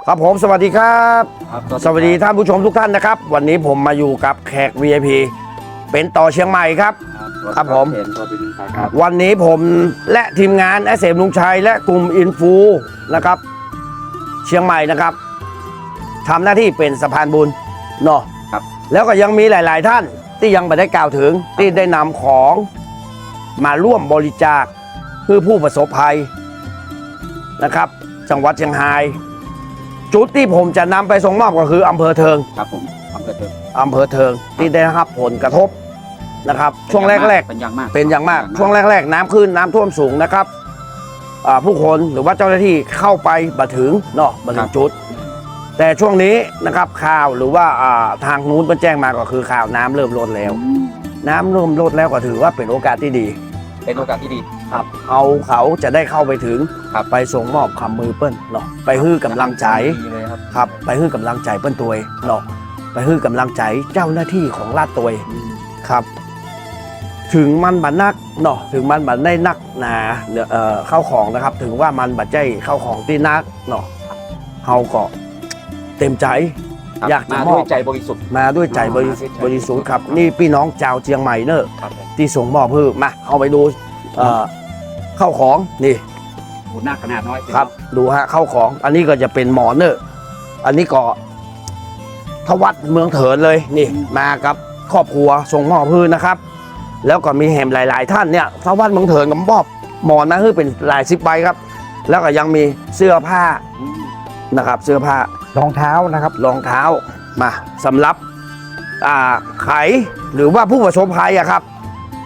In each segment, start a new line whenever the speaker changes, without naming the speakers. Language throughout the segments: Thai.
ครับผมสวัสดีครับสวัสดีท่านผู้ชมทุกท่านนะครับวันนี้ผมมาอยู่กับแขก VIP เป็นต่อเชียงใหม่ครับครับผมวันนี้ผมและทีมงานเสมลุงชัยและกลุ่มอินฟูนะครับเชียงใหม่นะครับทำหน้าที่เป็นสะพานบุญเนาะแล้วก็ยังมีหลายๆท่านที่ยังไม่ได้กล่าวถึงที่ได้นำของมาร่วมบริจาคเพื่อผู้ประสบภัยนะครับจังหวัดเชียงรายจุดที่ผมจะนำไปส่งมอบก็คืออำเภอเทิง
ครับผมอำเภอเ
ทิงที่ได้รับผลกระทบนะครับช่วงแรกๆเป็นอย่างมากช่วงแรกๆน้ำขึ้นน้ำท่วมสูงนะครับผู้คนหรือว่าเจ้าหน้าที่เข้าไปบัดถึงเนาะบัดถึงจุดแต่ช่วงนี้นะครับข่าวหรือว่าทางนู้นมันแจ้งมาก็คือข่าวน้ำเริ่มลดแล้วน้ำเริ่มลดแล้วก็ถือว่าเป็นโอกาสที่ดีครับเขาจะได้เข้าไปถึงไปส่งมอบคำมือเปิ้ลเนาะไปฮื้อกำลังใจครับไปฮื้อกำลังใจเปิ้ลตัวเนาะไปฮื้อกำลังใจเจ้าหน้าที่ของราชตัวครับถึงมันบัดนักเนาะถึงมันบัดได้นักหนาเข้าของนะครับถึงว่ามันบัดใจเข้าของที่นักเนาะเขาก็เต็มใจอยากจะมอบ
ด้วยใจบริสุทธิ์
มาด้วยใจบริสุทธิ์ครับนี่พี่น้องชาวเชียงใหม่เนอะที่ส่งมอบเพื่อมาเอาไปดูเข้าของนี่
ดูหน้าขนาดน้อย
ครับดูฮะเข้าของอันนี้ก็จะเป็นหมอนเนอะอันนี้ก็ทวัดเมืองเถินเลยนี่มากับครอบครัวส่งมอบเพื่อนะครับแล้วก็มีแหมหลายๆท่านเนี่ยทวัดเมืองเถินกับมอบหมอนนะคือเป็นหลาย10 ใบครับแล้วก็ยังมีเสื้อผ้านะครับเสื้อผ้ารองเท้านะครับรองเท้ามาสำหรับไขหรือว่าผู้ประสบภัยอะครับ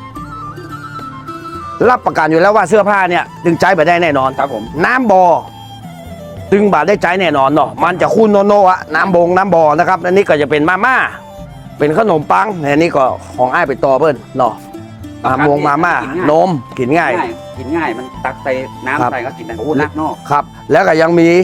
รับประกันอยู่แล้วว่าเสื้อผ้าเนี่ยดึงใจไปได้แน่นอน
ครับผม
น้ำบ่อดึงบาดได้ใจแน่นอนเนาะมันจะคุ้นโนอะน้ำบ่อนะครับอันนี้ก็จะเป็นมาม่าเป็นขนมปังอันนี้ก็ของอ้ายไปต่อเพิ่นเนาะมาม่านมกินง่าย
มันตักใส่น้ำใส่ก็กินได้โอ้นักนอก
ครับแล้วก็ยังมี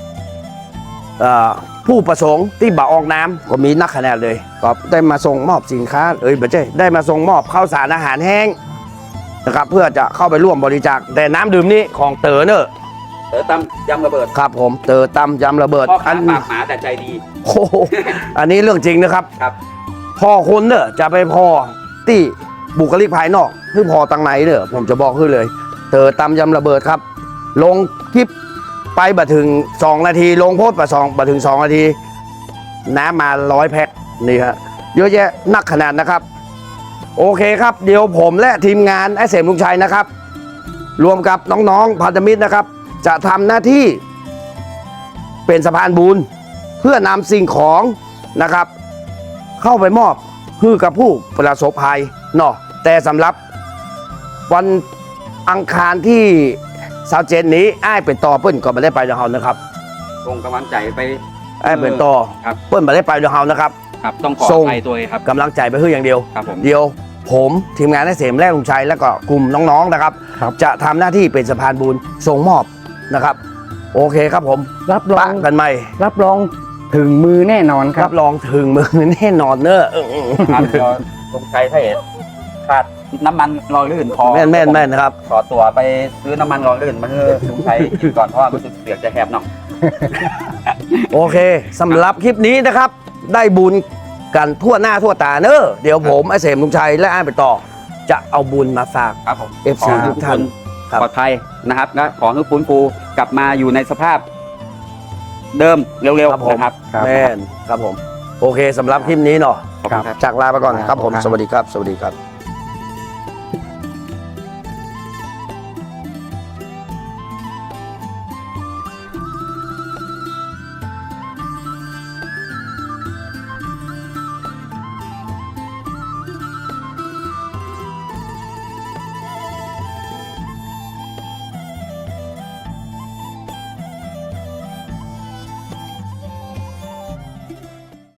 ผู้ประสงค์ที่บ่ออกน้ำก็มีนักขนาดเลยก็ได้มาส่งมอบสินค้าไม่ใช่ได้มาส่งมอบข้าวสารอาหารแห้งนะครับเพื่อจะเข้าไปร่วมบริจาคแต่น้ำดื่มนี้ของเต๋อเนอะ
เต๋อตำยำระเบิด
ครับผมเต๋อตำยำระเบิด
พ่อค้าปากหมาแต่ใจดี
โอ้อันนี้เรื่องจริงนะครับพ่อคนเนอะจะไปพอที่บุคลิกภายนอกคือพอตังไหนเนอะผมจะบอกขึ้นเลยเต๋อตำยำระเบิดครับลงคลิปไปบัดถึง2 นาทีลงโพสต์บัดถึง2 นาทีน้ำมา100 แพ็คนี่ฮะเยอะแยะนักขนาดนะครับโอเคครับเดี๋ยวผมและทีมงานเสมลุงชัยนะครับรวมกับน้องๆพันธมิตรนะครับจะทำหน้าที่เป็นสะพานบุญเพื่อนำสิ่งของนะครับเข้าไปมอบให้กับผู้ประสบภัยเนาะแต่สำหรับวันอังคารที่27นี้อ้ายเป็นต่อเปิ้ลก็ไม่ได้ไปเดานะครับ
ส่งกำลังใจไป
อ้ายเป็นต่อเปิ้ลไม่ได้ไปเดานะครับ
ต้องขอไปตัวครับ
กำลังใจไปเพื่ออย่างเดียวเดียวผมทีมงานเสมและลุงชัยและก็กลุ่มน้องๆนะครับจะทำหน้าที่เป็นสะพานบุญส่งมอบนะครับโอเคครับผม
รับรอง
กันไหม
รับรองถึงมือแน่นอนครับ
รับรองถึงมือแน่นอนเนอะ
ครับลุงชัยถ้าเห็นขาดน้ำมันรอลื่นพอ
แม่นนะครับ
ขอตัวไปซื้อน้ำมันรอลื่นมาให้ลุงชัยกินก่อนเพราะว่ารู้สึกเสียงจะแหบหน่อย
โอเคสำหรับคลิปนี้นะครับได้บุญกันทั่วหน้าทั่วตาเนอะเดี๋ยวผมเสมลุงชัยและอ้ายไปต่อจะเอาบุญมาฝาก
ครับผม
FC ทุกท่าน
ปลอดภัยนะครับและขอให้ฟื้นฟูกลับมาอยู่ในสภาพเดิมเร็วๆนะครับ
แม่นครับผมโอเคสำหรับคลิปนี้เนาะจากลาไปก่อนครับผมสวัสดีครับ